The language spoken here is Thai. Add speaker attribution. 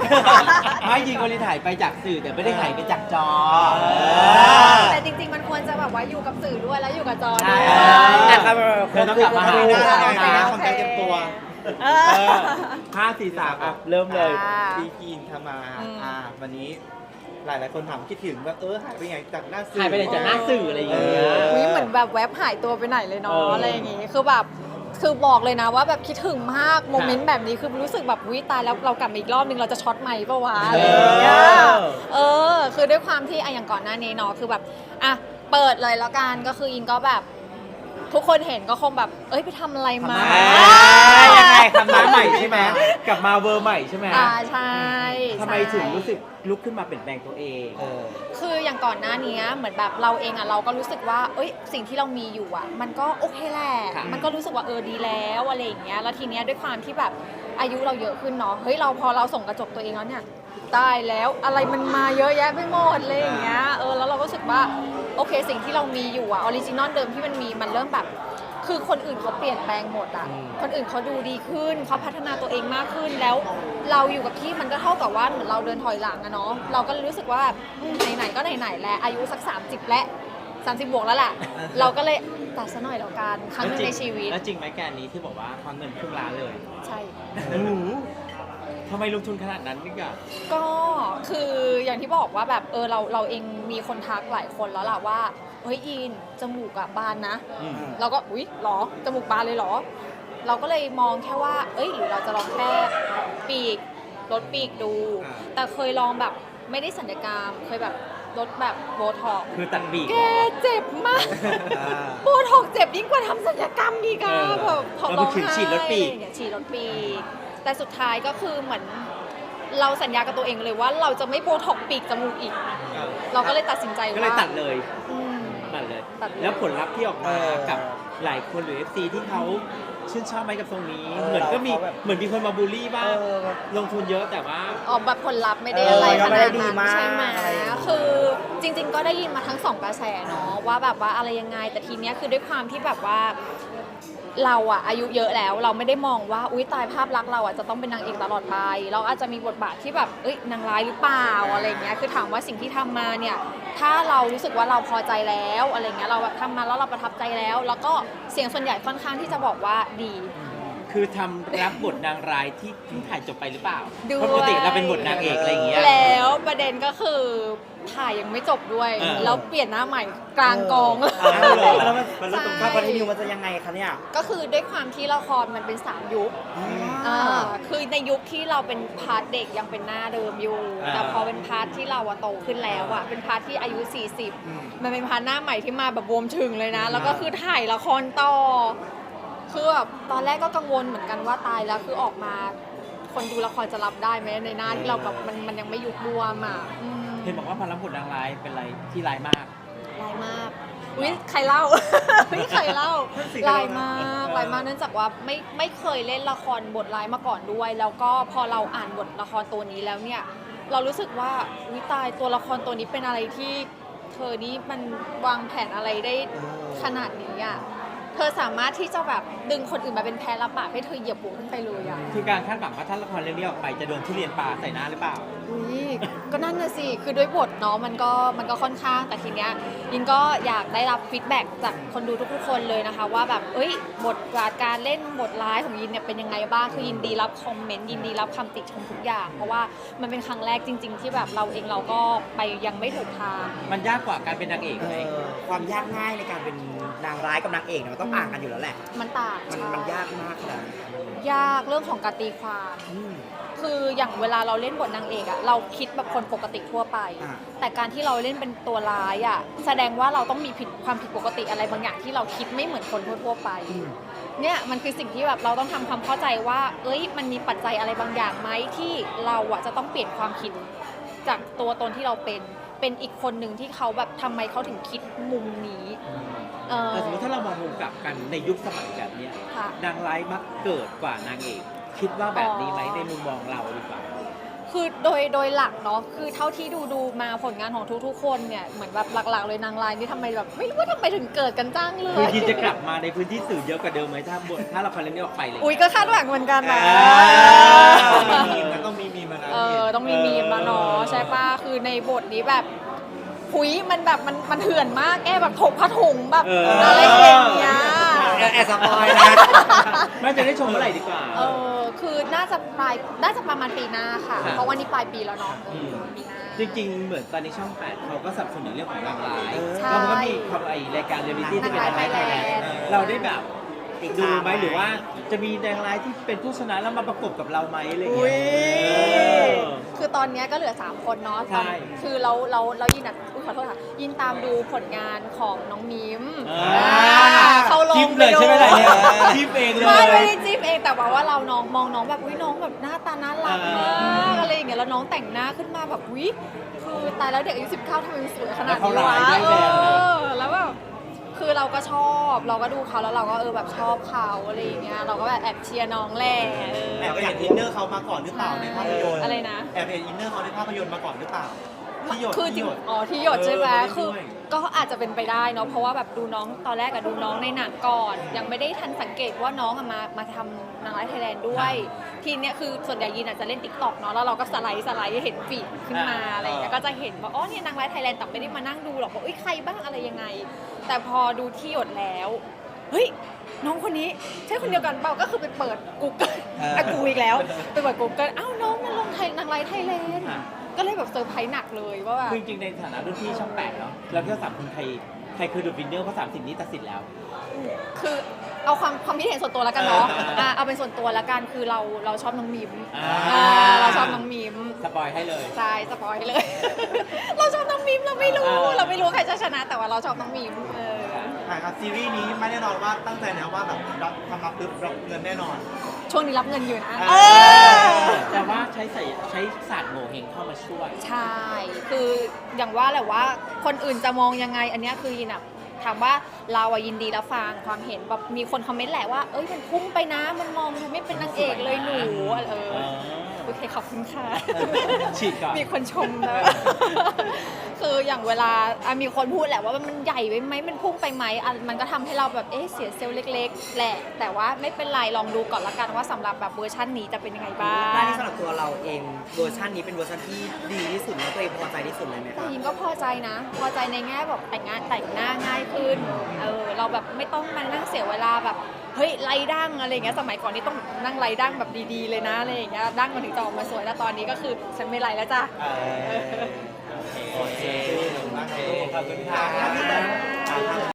Speaker 1: ไม่ยิงคนที่ถ่ายไปจากสื่อแต่ไม่ได้ถ่ายไปจากจอ
Speaker 2: แต่จริงๆมันควรจะแบบว่าอยู่กับสื่อด้วยแล้วอยู่กับจอ
Speaker 1: ใช่
Speaker 2: ด้วย
Speaker 1: แต่ครับเราต้องกลับมาหา
Speaker 3: ของการเตรียมตัว
Speaker 1: 5 4 3อ่ะเริ่มเลย
Speaker 3: พี่กินทำมาวันนี้หลายคนถามคิดถึงว่าหายไปไงจากหน้าสื่อ
Speaker 1: ถ่ายไปไหนจากหน้าสื่ออะไรอย่างเงี้ย
Speaker 2: อุ๊ยเหมือนแบบแวบหายตัวไปไหนเลยเนาะ
Speaker 1: เอออ
Speaker 2: อะไรอย่างงี้คือแบบคือบอกเลยนะว่าแบบคิดถึงมากโมเมนต์แบบนี้คือรู้สึกแบบวิตายแล้วเรากลับมาอีกรอบนึงเราจะช็อตใหม่ปะวะอะไรอย่างเงี้ยคือด้วยความที่อย่างก่อนหน้านี้เนาะคือแบบเปิดเลยแล้วกันก็คืออินก็แบบทุกคนเห็นก็คงแบบไปทำอะไรมา
Speaker 1: ยังไงทำมาใหม่ใช่ไหมกลับมาเวอร์ใหม่ใช่ไหม
Speaker 2: ใช่
Speaker 1: ทำไมถึงรู้สึกลุกขึ้นมาเปลี่ยนแปลงตัวเอง
Speaker 2: คืออย่างก่อนหน้านี้เหมือนแบบเราเองเราก็รู้สึกว่าสิ่งที่เรามีอยู่มันก็โอเคแหละ
Speaker 1: ค่ะ
Speaker 2: มันก็รู้สึกว่าดีแล้วอะไรอย่างเงี้ยแล้วทีเนี้ยด้วยความที่แบบอายุเราเยอะขึ้นเนาะพอเราส่องกระจกตัวเองแล้วเนี่ยตายแล้วอะไรมันมาเยอะแยะไปหมดเลยอย่างเงี้ยแล้วเราก็รู้สึกว่าโอเคสิ่งที่เรามีอยู่ออริจินอลเดิมที่มันมีมันเริ่มแบบคือคนอื่นเขาเปลี่ยนแปลงหมดคนอื่นเขาดูดีขึ้นเขาพัฒนาตัวเองมากขึ้นแล้วเราอยู่กับที่มันก็เท่ากับว่าเหมือนเราเดินถอยหลังอะเนาะเราก็รู้สึกว่าไหนๆก็ไหนๆแล้วอายุสัก30และ30บวกแล้วแหละเราก็เลยตัดซะหน่อยแล้วกันครั้งหนึงในชีวิต
Speaker 1: แล้วจริงไหมแกนนี้ที่บอกว่าควักเงินครึ่งล้านเลย
Speaker 2: ใช่
Speaker 1: ทำไมลงทุนขนาดนั้นนี่กะ
Speaker 2: ก็คืออย่างที่บอกว่าแบบเราเองมีคนทักหลายคนแล้วล่ะว่าเฮ้ยอินจมูกบานนะเราก็อุ๊ยหรอจมูกบานเลยเหรอเราก็เลยมองแค่ว่าหรือเราจะลองแค่ปีกลดปีกดู แต่เคยลองแบบไม่ได้สัญญกรรมเคยแบบลดแบบโบท็อกซ์
Speaker 1: คือตัดบีก
Speaker 2: แกเจ็บมากโบท็อกซ์เจ็บยิ่งกว่าทำสัญญกรรมอีกอะแบบพอร้องไห้
Speaker 1: ฉีดลดปีก
Speaker 2: อะไรอย่างเงี้ยฉีดลดปีกแต่สุดท้ายก็คือเหมือนเราสัญญากับตัวเองเลยว่าเราจะไม่โบท็อกซ์ปีกจมูกอีก เราก็เลยตัดสินใจว่า
Speaker 1: ก็เลยตัดเลย
Speaker 2: อืม
Speaker 1: ตัดเลย
Speaker 2: ตัดเลย
Speaker 1: แล้วผลลัพธ์ที่ออกมากับหลายคนหรือ FC ที่เขาชื่นชอบไหมกับตรงนี้ เหมือนก็มีเหมือนมีคนมาบูลลี่บ้างลงทุนเยอะแต่ว่า
Speaker 2: แบบผลลัพธ์ไม่ได้อะไรข
Speaker 3: ก็ไม่
Speaker 2: นา
Speaker 3: ได้
Speaker 2: ด
Speaker 3: ดี
Speaker 2: นั้น
Speaker 3: มาก
Speaker 2: ใช่ไหมคือจริง ๆ ก็ได้ยินมาทั้งสองกระแสเนาะว่าแบบว่าอะไรยังไงแต่ทีเนี้ยคือด้วยความที่แบบว่าเราอายุเยอะแล้วเราไม่ได้มองว่าอุ๊ยตายภาพลักษณ์เราจะต้องเป็นนางเอกตลอดไปเราอาจจะมีบทบาทที่แบบนางร้ายหรือเปล่าอะไรเงี้ยคือถามว่าสิ่งที่ทำมาเนี่ยถ้าเรารู้สึกว่าเราพอใจแล้วอะไรเงี้ยเราแบบทำมาแล้วเราประทับใจแล้วแล้วก็เสียงส่วนใหญ่ค่อนข้างที่จะบอกว่าดี
Speaker 1: คือทำรับบทนางร้ายที่เพิ่งถ่ายจบไปหรือเปล่า
Speaker 2: ด้วย
Speaker 1: เพราะปกติเราเป็นบทนางเอกอะไรอย่างเงี้ย
Speaker 2: แล้วประเด็นก็คือถ่ายยังไม่จบด้วย แล้วเปลี่ยนหน้าใหม่กลางกองเลย
Speaker 3: แล้วมันเริ่มตรงกับคอนติเนียมันจะยังไงคะเนี่ย
Speaker 2: ก็คือด้วยความที่ละครมันเป็น3ยุคคือในยุคที่เราเป็นพาร์ทเด็กยังเป็นหน้าเดิมอยู่ แต่พอเป็นพาร์ทที่เราโตขึ้นแล้วเป็นพาร์ทที่อายุ 40 มันเป็นพาร์ทหน้าใหม่ที่มาแบบบวมถึงเลยนะ แล้วก็คือถ่ายละครต่อคือแบบตอนแรกก็กังวลเหมือนกันว่าตายแล้วคือออกมา คนดูละครจะรับได้ไหมในหน้าที่เราแบบมันยังไม่ยุบบวม
Speaker 1: เห็นบอกว่าพอรับบทนางร้ายเป็นอะไรที่ร้ายมาก
Speaker 2: ลายมากอุ๊ยใครเล่า อุ๊ยใครเล่าลายมากลายมากเนื่องจากว่าไม่เคยเล่นละครบทร้ายมาก่อนด้วย แล้วก็พอเราอ่านบทละครตัวนี้แล้วเนี่ยเรารู้สึกว่าวิตายตัวละครตัวนี้เป็นอะไรที่เธอนี่มันวางแผนอะไรได้ขนาดนี้อ่ะเธอสามารถที่จะแบบดึงคนอื่นมาเป็นแพ้รับบาปให้เธอเหยียบหัวขึ้นไปเลยอ่ะ
Speaker 1: คือการคาดหวังว่าถ้าละครเรื่องนี้ออกไปจะโดนทุเรียนปลาใส่หน้าหรือเปล่า
Speaker 2: อุ๊ยก็นั่นน่ะสิคือด้วยบทเนาะมันก็ค่อนข้างแต่ทีเนี้ยยินก็อยากได้รับฟีดแบ็กจากคนดูทุกๆคนเลยนะคะว่าแบบบทบาทการเล่นบทร้ายของยินเนี่ยเป็นยังไงบ้างคือยินดีรับคอมเมนต์ยินดีรับคำติชมทุกอย่างเพราะว่ามันเป็นครั้งแรกจริง ๆ ที่แบบเราเองเราก็ไปยังไม่ถูกทาง
Speaker 1: มันยากกว่าการเป็นนางเอกไหม
Speaker 3: ความยากง่ายในการเป็นนางร้ายกับนางเอกเนี่ยมันต้องอ่างกันอยู่แล้วแหละ
Speaker 2: มันต่าง
Speaker 3: มันยากมากนะ
Speaker 2: ยากเรื่องของการตีความ คืออย่างเวลาเราเล่นบทนางเอกเราคิดแบบคนปกติทั่วไป แต่การที่เราเล่นเป็นตัวร้ายแสดงว่าเราต้องมีความผิดปกติอะไรบางอย่างที่เราคิดไม่เหมือนคนทั่วไปเนี่ยมันคือสิ่งที่แบบเราต้องทำความเข้าใจว่ามันมีปัจจัยอะไรบางอย่างไหมที่เราจะต้องเปลี่ยนความคิดจากตัวตนที่เราเป็นอีกคนหนึ่งที่เขาแบบทำไมเขาถึงคิดมุมนี้
Speaker 1: แต่สมมติถ้าเรามองมุมกลับกันในยุคสมัยแบบเนี้ย
Speaker 2: ค่ะ
Speaker 1: นางร้ายมักเกิดกว่านางเอกคิดว่าแบบนี้ไหมในมุมมองเราดีกว่า
Speaker 2: คือโดยหลักเนาะคือเท่าที่ดูมาผลงานของทุกๆคนเนี่ยเหมือนแบบหลักๆเลยนางร้ายนี่ทำไมแบบไม่รู้ว่าทำไมถึงเกิดกันจ้างเล
Speaker 1: คือย ยินจะกลับมาในพื้นที่สื่อเยอะกว่าเดิมไหมถ้าละครเรื่องนี้ออกไปเลย
Speaker 2: อุ้ยก็คาดหวังเหมือนกันนะ
Speaker 3: ต้องมีมีมนะ
Speaker 2: ต้องต้องมีมีมมาเนาะใช่ปะคือในบทนี้แบบหุยมันแบบมันเถื่อนมากแกแบบถกผ้าถุงแบบอะไรอย่างเงี้ย
Speaker 4: แอบสปอยนะ
Speaker 1: ไม่จะได้ชมเมื่อไหร่ดีกว่า
Speaker 2: คือน่าจะประมาณปีหน้าค่ะ
Speaker 1: ครับ
Speaker 2: เพราะวันนี้ปลายปีแล้วเนาะปีหน้า
Speaker 1: จริงๆ เหมือนตอนนี้ช่อง 8เขาก็สนับสนุนเรื่องของนางร้าย
Speaker 2: ใช่
Speaker 1: แล้วมันก็มีความไอรายการเรียลลิตี้ที่เป็นนางร้ายไทยแลนด์
Speaker 2: นางร้าย Thailand
Speaker 1: เราได้แบบ
Speaker 4: ติด
Speaker 1: ดู
Speaker 4: ตาม
Speaker 1: ไหมหรือว่าจะมีนางร้ายที่เป็นผู้ชนะแล้วมาประกบกับเราไหมอะไรอย่าง
Speaker 2: อุ๊
Speaker 1: เงี้
Speaker 2: ย
Speaker 1: ย
Speaker 2: คือตอนเนี้ยก็เหลือ 3 คนเนาะ
Speaker 1: ใช่
Speaker 2: คือเรายินอ่ะขอโทษค่ะ ยินตามดูผลงานของน้องมิม
Speaker 1: อ่า
Speaker 2: เขาลง
Speaker 1: จิ้มเลยใช่ไหมล่ะเนี่ยจิ้มเองเลย
Speaker 2: ไม่ได้จิ้มเองแต่ว่าเราน้องมองน้องแบบอุ้ยน้องแบบหน้าตาน่ารักมากอะไรอย่างเงี้ยแล้วน้องแต่งหน้าขึ้นมาแบบอุ้ยคือตายแล้วเด็กอายุ19ทำไมมันสวยขนาดนี้วะ
Speaker 1: แล้วเขาร้ายด้วยแบบนั้น
Speaker 2: แล้วแบบคือเราก็ชอบเราก็ดูเขาแล้วเราก็แบบชอบเขาอะไรอย่างเงี้ยเราก็แบบแอบเชียร์น้องแหละ
Speaker 3: แอบเห็นอินเนอร์เขามาก่อนหรือเปล่าในภาพยนตร์
Speaker 2: อะไรนะ
Speaker 3: แอบเห็นอินเนอร์เขาในภาพยนตร์มาก่อนหรือเปล่าที่หยด
Speaker 2: คือจริง
Speaker 3: ที่หยด
Speaker 2: อ๋อที่หยดใช่ไหม
Speaker 3: เขา
Speaker 2: คือ
Speaker 3: เล่นด้วย
Speaker 2: ก็อาจจะเป็นไปได้เนาะเพราะว่าแบบดูน้องตอนแรกอะดูน้องในหนังก่อน ยังไม่ได้ทันสังเกตว่าน้องอะมาทำนางร้ายไทยแลนด์ด้วย ทีเนี้ยคือส่วนใหญ่ยินอาจจะเล่นติ๊กต็อกเนาะแล้วเราก็สไลด์เห็นฟีดขึ้นมาอะไรอย่างเงี้ยก็จะเห็นว่าอ๋อเนี่ยนางร้ายไทยแลนด์แต่ไม่ได้มานั่งดูหรอกว่าเอ้ยใครบ้างอะไรยังไง แต่พอดูที่หยดแล้วเฮ้ยน้องคนนี้ใช่คนเดียวกันเปล่าก็คือไปเปิด Google กูอีกแล้วไปเปิด Google อ้าวน้องมันลงนางร้ายไทยแลนด์ ก็เลยแบบเซอร์ไพรส์หนักเลยว่าแบบ
Speaker 1: คือจริงๆในฐานะรุ่นพี่ช่อง 8เนาะเราเที่ยว3คนใครคือดูวินเนอร์เพราะ30นี้ตัดสินแล้ว
Speaker 2: คือเอาความคิดเห็นส่วนตัวแล้วกันเนาะเอาเป็นส่วนตัวแล้วกันคือเราชอบน้องมิม เราชอบน้องมิม
Speaker 1: สปอยให้เลย
Speaker 2: ใช่สปอยเลย เราชอบน้องมิมเราไม่รู้ใครจะชนะแต่ว่าเราชอบน้องมิม
Speaker 3: ครับซีรีส์นี้ไม่แน่นอนว่าตั้งใจแล้วว่าแบบรับปุ๊บรับเงินแน่นอน
Speaker 2: ช่วงนี้รับเงินอยู่นะ
Speaker 1: แต่ว่าใช้ศาสตร์โงเฮงเข้ามาช่วย
Speaker 2: ใช่ คืออย่างว่าแหละว่าคนอื่นจะมองยังไง อันเนี้ยคือยินอะถามว่าเราอะยินดีรับฟังความเห็นแบบมีคนคอมเมนต์แหละว่าเอ้ยมันพุ่งไปนะมันมองดูไม่เป็นนางเอกเลยหนูโอเคขอบคุณค่ะ
Speaker 1: ฉีดก่อน
Speaker 2: มีคนชมนะ คืออย่างเวลามีคนพูดแหละว่ามันใหญ่ไปไหมมันพุ่งไปไหมมันก็ทำให้เราแบบเสียเซลล์เล็กๆแหละแต่ว่าไม่เป็นไรลองดูก่อนละกันว่าสำหรับแบบเวอร์ชันนี้จะเป็นยังไงบ้าง
Speaker 4: ด้านนี้สำหรับตัวเราเองเวอร์ชันนี้เป็นเวอร์ชันที่ดีที่สุดแล้วตัวเองพอใจที่สุดเลยไหมค
Speaker 2: แต่
Speaker 4: รับ
Speaker 2: ยิงก็พอใจนะ พอใจในแง่แบบแต่งหน้าง่ายขึ้นเราแบบไม่ต้องมานั่งเสียเวลาแบบเฮ้ยไล่ดั้งอะไรอย่างเงี้ยสมัยก่อนนี่ต้องนั่งไล่ดั้งแบบดีๆเลยนะอะไรอย่างเงี้ยดั้งมันถึงจะออกมาสวยแล้วตอนนี้ก็คือฉันไม่ไล่แล้วจ้ะ
Speaker 3: โอเคขอบคุณค่ะ
Speaker 2: ค่ะ